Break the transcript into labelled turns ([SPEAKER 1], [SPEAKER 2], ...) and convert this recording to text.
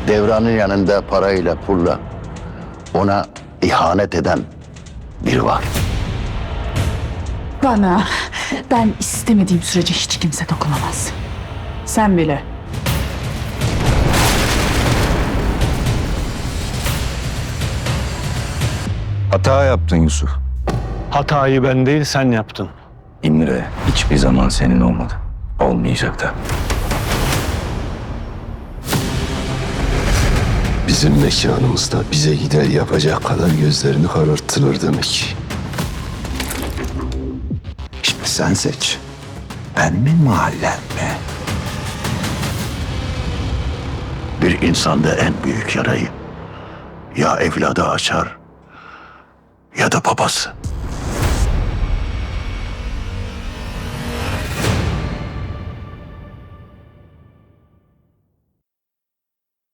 [SPEAKER 1] Devran'ın yanında parayla, pulla ona ihanet eden biri var.
[SPEAKER 2] Bana ben istemediğim sürece hiç kimse dokunamaz. Sen bile.
[SPEAKER 3] Hata yaptın Yusuf.
[SPEAKER 4] Hatayı ben değil sen yaptın.
[SPEAKER 3] İmre hiçbir zaman senin olmadı. Olmayacak da.
[SPEAKER 5] Bizim mekanımızda bize gider yapacak kadar gözlerini kararttılar demek.
[SPEAKER 1] Şimdi sen seç. Ben mi, mahallem mi? Bir insanda en büyük yarayı ya evladı açar ya da babası.